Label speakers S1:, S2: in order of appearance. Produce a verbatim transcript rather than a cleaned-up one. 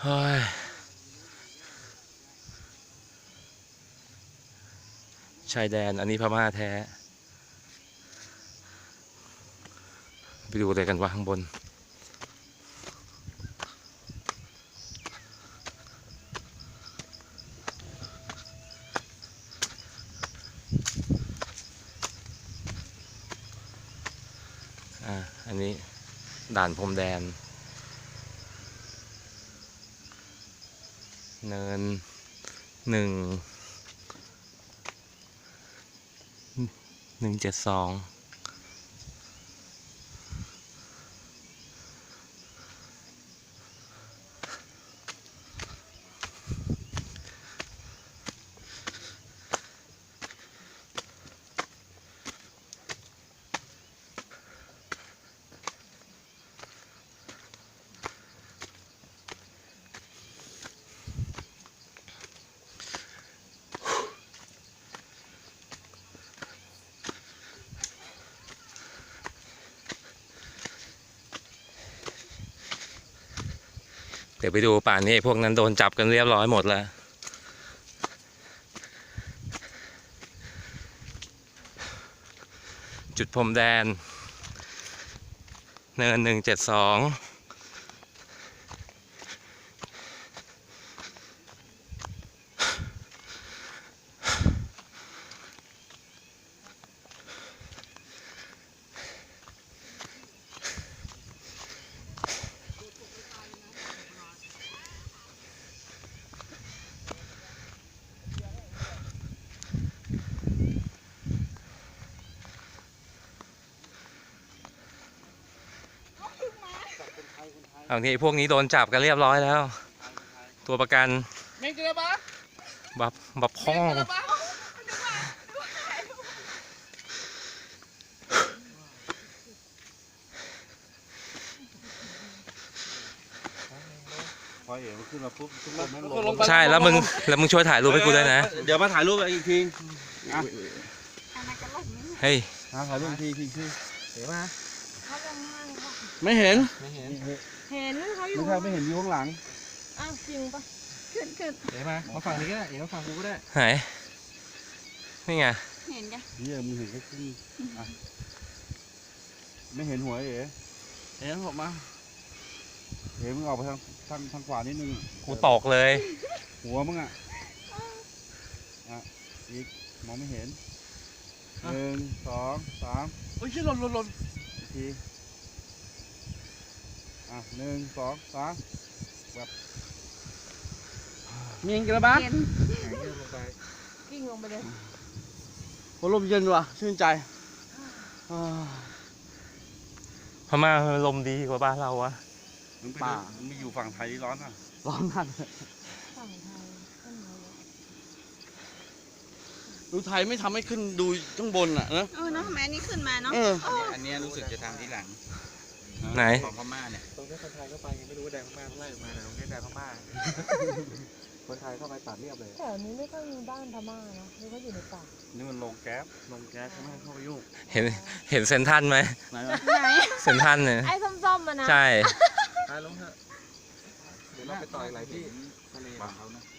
S1: ฮ้ยชายแดนอันนี้พม่าแท้ไปดูอะไรกันวะข้างบนอ่าอันนี้ด่านพรมแดนเนินหนึ่งหนึ่งเจ็ดสองเดี๋ยวไปดูป่านนี้พวกนั้นโดนจับกันเรียบร้อยหมดแล้วจุดพรมแดนเนินหนึ่งเจ็ดสองเอานี้พวกนี้โดนจับกันเรียบร้อยแล้วตัวประกันบับบับพ้อง
S2: พอเอ๋มันขึ้นมาปุ๊บทุกคนนั่งลง
S1: ใช่แล้วมึงแล้วมึงช่วยถ่ายรูปให้กูด้วยนะ
S2: เดี๋ยวมาถ่ายรูปอีกที
S1: เฮ้ย
S2: ถ่ายรูปอีกทีทีทีเห็นไหม
S3: ไม่เห็น
S2: ไม่เห็น
S4: เห็นเขาอยู่
S2: ไม่ใช่ไม่เห็นอยู่ข้างหลัง
S4: อ้าวจริงปะขึ้นขึ้น
S3: เห็นไหมมาฝั่งนี้ก็ได้เห็นมาฝั่งกูก็ได้
S1: ไหนนี่ไง
S4: เห็นจ้ะ
S2: นี่มึงเห็นแค่ครึ่งไม่เห็นหัวเอ๋
S3: เห็นผมมา
S2: เอ๋มึงออกไปทางทางทางขวานิดนึง
S1: กูตกเลย
S2: หัวมึงอ่ะอ่ะอีกมองไม่เห็นหนึ่งสองสาม
S3: โอ้ยหล่นหล่นหล่น
S2: อีกทีอ่ะหนึ่งสองสามแบบ
S3: มีเงินกันแล้วบ้าง
S4: เห็นกิ้งลงไปเลย
S3: โอ้ลมเย็นว่ะชื่นใจ
S1: พม่าลมดีกว่าบ้านเราวะ
S2: มึงไปดูมึงไปอยู่ฝั่งไทยที่ร้อนอ่ะ
S3: ร้อนมาก
S4: ฝั่งไทยต้นไม้
S3: ดูไทยไม่ทำให้ขึ้นดูข้างบนอ่ะนะ
S4: เออเนาะทำไมอันนี้ขึ้นมาเนาะ
S3: เออ
S5: อันนี้รู้สึกจะทำที่หลัง
S1: ไหน
S5: ของพม่าเนี่ย
S6: ตรงนี้คนไทยเข้าไปยังไม่รู้ว่าแดงพม่าไล่ออกมาแต่ตรงนี้แดงพม่า คนไทยเข้าไปตัดเรียบเลย
S4: แถวนี้ไม่ค่อยมีบ้านพม่าเนาะหรือว่าอยู่ในป่า
S2: นี่มันลงแก๊ส
S3: ลงแก๊สไม่ให้เข้าไปยุ่ง
S1: เห็นเห็นเซนทันไหม
S3: ไหนวะ
S4: ไหน
S1: เซนทันเนี่ย
S4: ไอ้ส้มๆมันนะ
S1: ใช่
S6: ตายลงเถอะ เดี๋ยวเราไปต่อยหลายที่ทะเล
S2: มาเขานะ